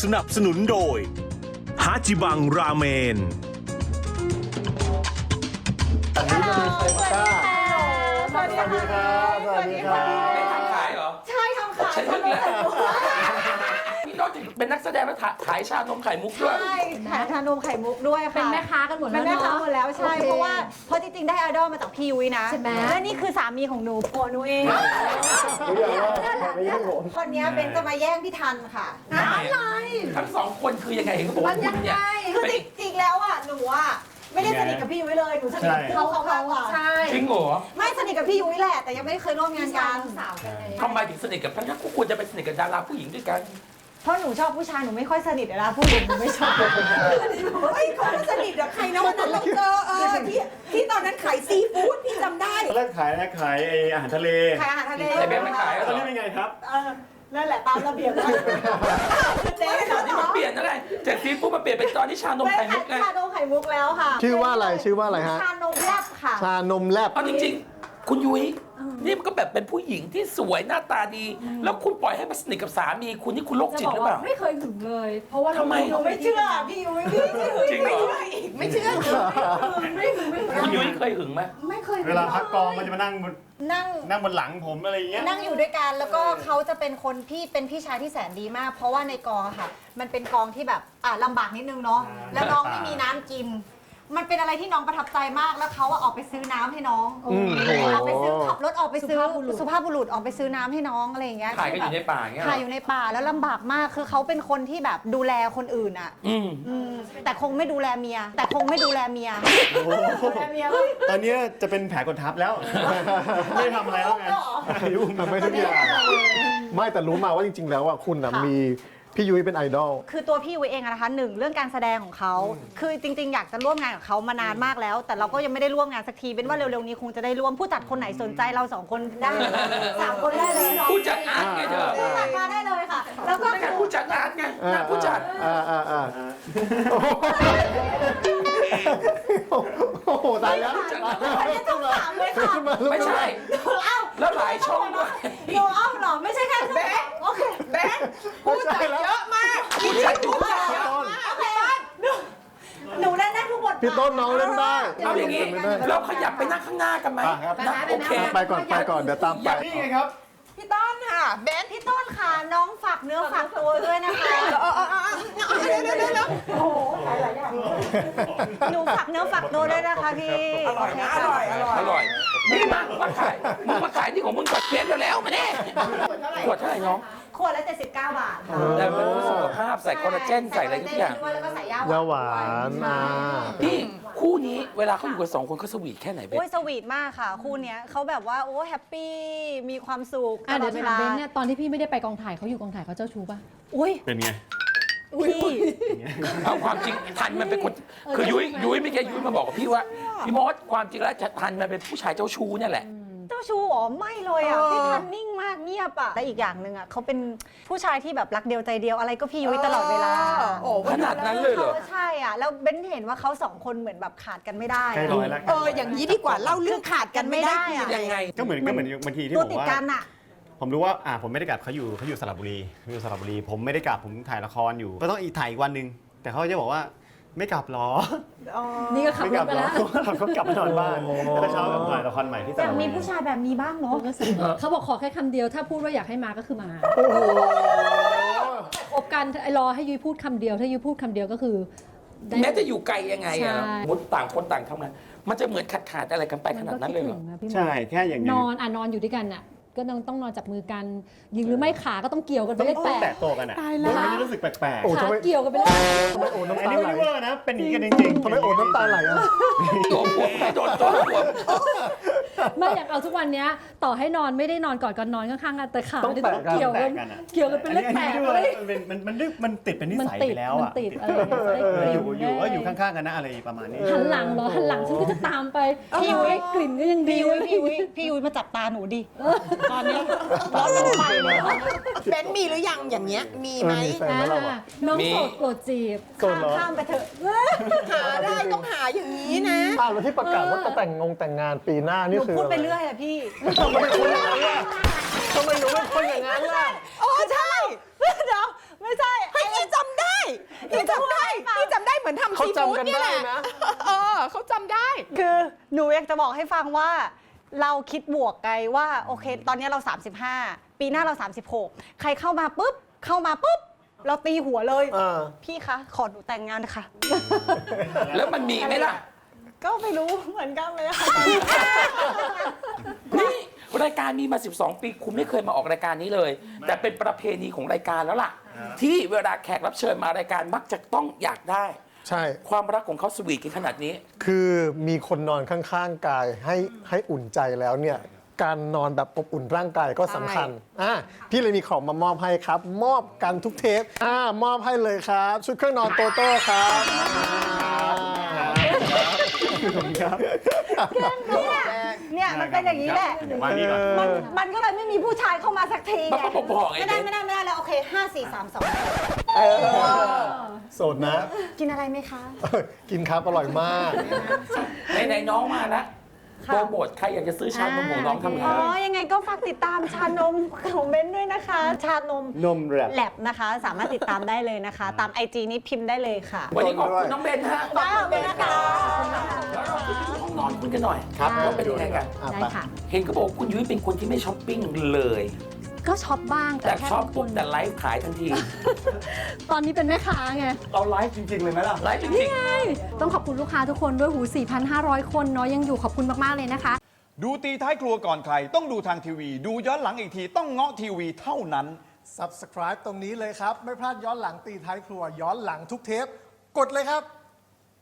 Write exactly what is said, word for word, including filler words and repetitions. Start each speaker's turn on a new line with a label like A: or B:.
A: สนับสนุนโดยฮาจิบังราเมน
B: สวัสดีค่ะสวัสดีครับสวัสดีครับ
C: ไม่ทำขายเหรอ
B: ใช่ทำขาย
C: ฉันนึกแล้วนี่นอกจากเป็นนักแสดงแล้วขายชานมไข่มุกด้วย
B: ใช่ขายชานมไข่มุกด้วยค่ะ
D: เป็นแม่ค้ากันหมดแล้ว
B: เป็นแม่ค้าหมดแล้วใช่เพราะว่าเพราะจริงๆได้ไอดอลมาจากพี่ยุ้ยนะ
D: ใช่ไหม
B: และนี่คือสามีของหนูผัวหนูเองคนนี้เป็นจะมาแย่งพี่ทันค่ะอะไร
C: ทั้งสองคนคือยังไงเห็นเขาบอกว่าคุณเนี่ย
B: คือจริงๆแล้วอ่ะหนูอ่ะไม่ได้สนิทกับพี่ยุ้ยเลยหนูสนิทกับเขาเขามากกว่า
D: ใช่
C: จริงเหรอ
B: ไม่สนิทกับพี่ยุ้ยแหละแต่ยังไม่เคยร่วมงานกัน
D: สาวกันเลย
C: ทำไมถึงสนิทกับทั้งนั้นควรจะไปสนิทกับดาราผู้หญิงด้วยกัน
B: เพราะหนูชอบผู้ชายหนูไม่ค่อยสนิทเวลาผู้หญิงหนูไม่ชอบเฮ้ยเขาสนิทกับใครนะวันนั้นเราเจอเออที่ที่ตอนนั้นขายซีฟู้ดพี่จำได้
E: ตอนแรกขายนะขายไออาหารทะเล
B: ขายอาหารทะเล
C: แต่เบนไม่ขายเหร
E: ตอน
C: อ
E: นี้เป็นไงครับ
B: เออนั่นแหละตามระเบียบแล้วเจ๊
C: ตอนนี้มันเปลี่ยนอะไรจากซีฟู้ดมาเปลี่ยนเป็นตอนที่ชานม
B: ไม่
C: ไข่มุ
B: ขาย
C: กไง
B: ชานมไข่มุกแล้วค่ะ
F: ชื่อว่าอะไรชื่อว่าอะไรฮะ
B: ชานมแลบค่ะ
F: ชานมแลบ
C: เอาจริงๆ คุณยุ้ยนี่มันก็แบบเป็นผู้หญิงที่สวยหน้าตาดี แล้วคุณปล่อยให้มาสนิทกับสามีคุณนี่คุณโรค
D: จะ
C: จิต
D: บอก
C: หรือเป
D: ว่า
C: ล่า
D: ไม่เคยถึงเลย เพราะว่า
C: ทำไม
B: หนูไม่เชื่อพี่ยุ้ยพี่ยุ้ย
C: จริงเหรอ
B: ไม่เชื่อ
D: ไม่ถึงไม่ถึง
C: คุณยุ้ยเคยหึงไหม
D: ไม่เคย
E: เวลาพักกองมันจะมานั่งบน
B: นั่ง
E: นั่งบนหลังผมอะไรอย่างเงี้ย
B: นั่งอยู่ด้วยกันแล้วก็เขาจะเป็นคนพี่เป็นพี่ชายที่แสนดีมาก เพราะว่าในกองอะค่ะ มันเป็นกองที่แบบอ่ะลำบากนิดนึงเนาะแล้วน้องไม่มีน้ำกิน มันเป็นอะไรที่น้องประทับใจมากแล้วเขาอะออกไปซื้อน้ำให้น้อง
F: อืมโอ้โห
B: ออกไปซื้อขับรถออกไปซื้อสุภาพบุรุษออกไปซื้อน้ำให้น้องอะไรอย่างเงี้ย
C: ถ่ายกันอยู่ในป่าอย่างเงี้ยเหร
B: ถ่าย
C: อ
B: อยู่ในป่าแล้วลำบากมากคือเขาเป็นคนที่แบบดูแลคนอื่นอะ
C: อืม
B: อืมแต่คงไม่ดูแลเมีย แต่คงไม่ดูแลเมียดูแลเมียเลย
E: ตอนนี้จะเป็นแผลกดทับแล้ว ไม่ทำอะไรแล้วไงยุ่ง
F: ทำไม่ทุกอย่างไม่แต่รู้มาว่าจริง ๆ แล้วอ่ะคุณน่ะมีพี่ยุ้ยเป็นไอดอล
B: คือตัวพี่ยุ้ยเองอะนะคะหนึ่งเรื่องการแสดงของเขาคือจริง ๆ อยากจะร่วมงานกับเขามานานมากแล้ว แต่เราก็ยังไม่ได้ร่วมงานสักทีเป็นว่าเร็วๆนี้คงจะได้ร่วมผู้จัดคนไหนสนใจเราสองคนได้สามคนได้เลยเนาะ
C: ผู้จัดอาร์ตไงเธอ
B: ผู้จัดมาได้เลยค่ะ แล้วก็
C: ไม่ใช่ผู้จัดอาร์ตไงงานผู้จัด
F: อ่าอ่าอ่าโอ้โหตายแล้ว
B: คนนี้ต้องถามเลยค่ะ
C: ไม่ใช่
B: เอ้า
C: แล้วหลายช่องด้วย
B: โนเอ้าเหรอไม่ใช่แค่แบงโอเคแบง
F: ผู้จัดเยอะมาก
C: ผู้จัดผู้จัดเยอะ
B: โอเคหนูเล่นได้ทุกบท
F: พี่ต้นน้องเล่นได้
C: เอาอย่างนี้เราขยับไปนั่งข้างหน้ากันไหม
F: อ่ะครับ
C: นะโอเค
F: ไปก่อนไปก่อนเดี๋ยวตามไป
E: นี่ไงครับ
B: พี่ต้นค่ะเบนพี่ต้นค่ะน้องฝากเนื้อฝากตัวด้วยนะคะโอ้โหหลายอย่างหนูฝากเนื้อฝากตัวด้วยนะคะพี่อร่อยนะอร่อยอร่อย
C: อร่อยนี่มามาขายมึงมาขายที่ของมึงก่อนเปลี่ยนแล้วๆมาแน่ขวดเท่าไหร่น้อง
B: ขวดละเจ็ดสิบเก้าบาทค่ะ
C: แต่เป็นเพื่อสุขภาพใส่คอลลาเจนใส่อะไรทุกอย่าง
B: ด้วยแล้วก็ใส่ยา
F: ยาหวานอ่า
C: พี่คู่นี้เวลาเขาอยู่กันสองคนเขาสวีทแค่ไหนเบน
B: โอ้ยสวีทมากค่ะ คู่เนี้ยเขาแบบว่าโอ้แฮปปี้มีความสุข
D: อ่ะเดี๋ยว
B: ตลอ
D: ถาม
B: ว
D: เบ
B: ล
D: นเนี่ยตอนที่พี่ไม่ได้ไปกองถ่ายเขาอยู่กองถ่ายเขาเจ้าชู้ป่ะ
B: อุ้ย
E: เป็นไง
B: พี่
C: เอาความจริงทันมันเป็นคนคือยุ้ยยุ้ยไม่แกยุ้ยมาบอกกับพี่ว่าพี่มอสความจริงแล้วทันมันเป็นผู้ชายเจ้าชู้เนี่ยแหละ
B: เจ้าชู้อ๋อไม่เลยอ่ะพี่ทันนิ่งมากเงียบอ่ะและอีกอย่างหนึ่งอ่ะเขาเป็นผู้ชายที่แบบรักเดียวใจเดียวอะไรก็พี่ยุ้ยตลอดเวลา
C: ขนาดนั้นเลยเหรอ
B: ใช่อ่ะแล้วเบนเห็นว่าเขาสองคนเหมือนแบบขาดกันไม่ได้
E: ใกล้ร้อยแล้ว
G: เอออย่างนี้ดีกว่าเล่าเรื่องขาดกันไม่ได้
B: อะ
C: ยังไง
E: ก็เหมือนก็เหมือนบางทีที่
B: ตัว
E: ผม
B: ติด
E: ว่า
B: กันอ่ะ
E: ผมรู้ว่าอ่าผมไม่ได้กลับเขาอยู่เขาอยู่สระบุรีเขาอยู่สระบุรี ผมไม่ได้กลับผมถ่ายละครอยู่ ก็ต้องอีกถ่ายอีกวันหนึ่งแต่เขาจะบอกว่าไม่กลับหรอ
D: นี่ก็ขับ
E: ไม่
D: ร
E: กลั
D: ถไป
E: หรอ
D: แล้ว
E: เขากลับมานอนบ้านแล้วเช้ากับถ่ายละครใหม่ที่ส
B: อยา
E: ระ
B: ก
E: บุ
B: มี
E: รี
B: ผู้ชายแบบนี้บ้างเนาะ
D: เขาบอกขอแค่คำเดียวถ้าพูดว่าอยากให้มาก็คือมา
F: โอ้โห
D: คบกันรอให้ยุ้ยพูดคำเดียว ถ้ายุ้ยพูดคำเดียวก็คือได้
C: แม้จะอยู่ไกลยังไง
D: ใช่
C: อะมุดต่างคนต่างทำงานมันจะเหมือนขาดขาดๆอะไรกันไปขนาดนั้นเลยเหรอ
D: มัก็คิดถึงนะพี่มด
E: ใช่แค่อย่าง
D: น
E: นี้
D: อนอ่ะนอนอยู่ด้วยกันอ่ะก็ต้องต้องนอนจับมือกันยิงหรือไม่ขาก็ต้องเกี่ยวกันไป
E: ต้อง
D: เลข
E: ต้
D: แป
E: อง
D: ด
E: แตะตัวกันอ่ะมันไม่ได้รู้สึกแปลก
F: โอ้
D: ขา
F: ทำไม
D: เกี่ยวกันไปเลย
F: ทำไมโอ้
E: ๆ
F: น้ำ
E: อัน
F: ตา
E: นี้
F: ไหล
E: ไม่เวอร์นะเป็นอย่างนี้กันจริงๆ
F: ทำไมโอ้น้ำตาไหลอ่ะ
C: ตัวหัวไม่โดนตัวหัว
D: ไม่อยากเอาทุกวันเนี้ยต่อให้นอนไม่ได้นอนกอดกันนอนข้างๆกันแต่ขา
F: ต้อง
D: เนี่ย
F: แตะกัน
D: เกี่ยวกัน
E: แตะกันอะ
D: เกี่ยวกันเป็นเลขแปด
E: อันนี้
D: เล
E: ไม่
D: ย
E: ได้มันเป็นมันมันมันติดเป็นนิ
D: มัน
E: สัย
D: ติด
E: ไปแล้ว
D: มัน
E: อ่ะ
D: ติดอะไรอย่างเงี้ย
E: เอออยู่อยู่
D: ได้
E: ก็อยู่ข้างๆกันนะอะไรประมาณนี้
D: หันหลังเหรอหันหลังฉันก็จะตามไปพี่ยุ้ยกลิ่นก็ยังดี
B: พี่ยุ้ยพี่ยุ้ยพี่ยุ้ยมาจับตาหนูดิตอนนี้ร้อนลงไปเลย
G: เบนมีหรือยังอย่างเงี้ยมีไหม
F: เออมีแฟน แล้วเราอะ
D: น้องโสดโปรดจีบ
F: โสดเหรอ
B: ข้ามไปเถอะ
G: หาได้ต้องหาอย่างนี้นะ
F: อ่านมาที่ประกาศว่าจะแต่งงงแต่งงานปีหน้า
B: ห
F: นี่
B: นู
F: คือ
B: พูดไป
F: อะไร
B: เรื่อยอะพี่
F: ทำไมเป็นคนอย่างนั้นล่ะทำไมหนูเป็นคนอย่างนั้นล่ะ
G: โอ้ใช่
B: เดี๋ยวไม่ใช่
G: ให้พี่จำได้พี่จำได้พี่จำได้เหมือนทำ
F: เขา
G: ซี
F: จำ
G: ฟู้ด
F: กัน
G: เนี่ย
F: ได้
G: แหละ
F: นะ
G: เออเขาจำได้
B: คือหนูอยากจะบอกให้ฟังว่า เราคิดบวกไงว่าโอเค ตอนนี้เรา สามสิบห้า ปีหน้าเรา สามสิบหก ใครเข้ามาปุ๊บเข้ามาปุ๊บเราตีหัวเลย
F: เออ
B: พี่คะขอหนูแต่งงานนะคะ
C: แล้วมันมีไหมล่ะ
B: ก็ไม่รู้เหมือนกันเลยค่ะ
C: นี่รายการมีมา สิบสอง ปีคุณไม่เคยมาออกรายการนี้เลย แต่เป็นประเพณีของรายการแล้วล่ะ ที่เวลาแขกรับเชิญมารายการมักจะต้องอยากได้
F: ใช่
C: ความรักของเขาสวีทกันขนาดนี้
F: คือมีคนนอนข้างๆกายให้ให้อุ่นใจแล้วเนี่ย การนอนแบบอบอุ่นร่างกายก็สำคัญอ่ะพี่เลยมีของมามอบให้ครับ มอบกันทุกเทปอ่ามอบให้เลยครับ ชุดเครื่องนอนโตโต้ครับครับ
B: เนี่ยมันเป็นอย่างนี้แหละ
E: เดี๋ยวมานี่ก่อน
B: มันมันก็เลยไม่มีผู้ชายเข้ามาสักทีไง
C: บ้าๆบอๆไง
B: ไม่ได้ไม่ได้ไม่ได้แล้วโอเคห้าสี่สามสอง
F: โสดนะ
B: กินอะไรไหมคะ
F: กินครับอร่อยมาก
C: ไหนๆน้องมาแล้ว
B: ค่ะ
C: โปรโมทใครอยากจะซื้อชานมของน้องทำไง
B: อ๋อ ยังไงก็ฝากติดตามชานมของเบนด้วยนะคะ ชานม
F: นมแรป
B: แลบนะคะ สามารถติดตามได้เลยนะคะ ตามไอจีนี้พิมพ์ได้เลยค่ะ
C: วันนี้ขอบคุณน้องเบนฮะ
B: ได้ขอบคุณนะคะ
C: แล้วเราไปดูห้องนอนคุณกันหน่อย
F: ครับ
C: ว่าเป็นยังไงกัน
F: อ่ะ
D: ได้
F: ไป
D: ค่ะ
C: เห็นเขาบอกว่าคุณยุ้ยเป็นคนที่ไม่ช้อปปิ้งเลย
D: ก็ช็อปบ้าง
C: แต่
D: แค่
C: ช็อป
D: บางค
C: ปุ๊บ
D: น
C: แต่ไลฟ์ขายทันที
D: ตอนนี้เป็นแม่ค้าไง
E: เราไลฟ์จริง ๆ เลยไหมล่ะ
C: ไลฟ์จ
D: นี่
C: ริง
D: ไง ต้องขอบคุณลูกค้าทุกคนด้วยหู สี่พันห้าร้อย คนเนาะยังอยู่ขอบคุณมาก ๆ เลยนะคะ
H: ดูตีท้ายครัวก่อนใคร ต้องดูทางทีวี ดูย้อนหลังอีกทีต้องเงาะทีวีเท่านั้น
F: Subscribe ตรงนี้เลยครับ ไม่พลาดย้อนหลังตีท้ายครัว ย้อนหลังทุกเทป กดเลยครับ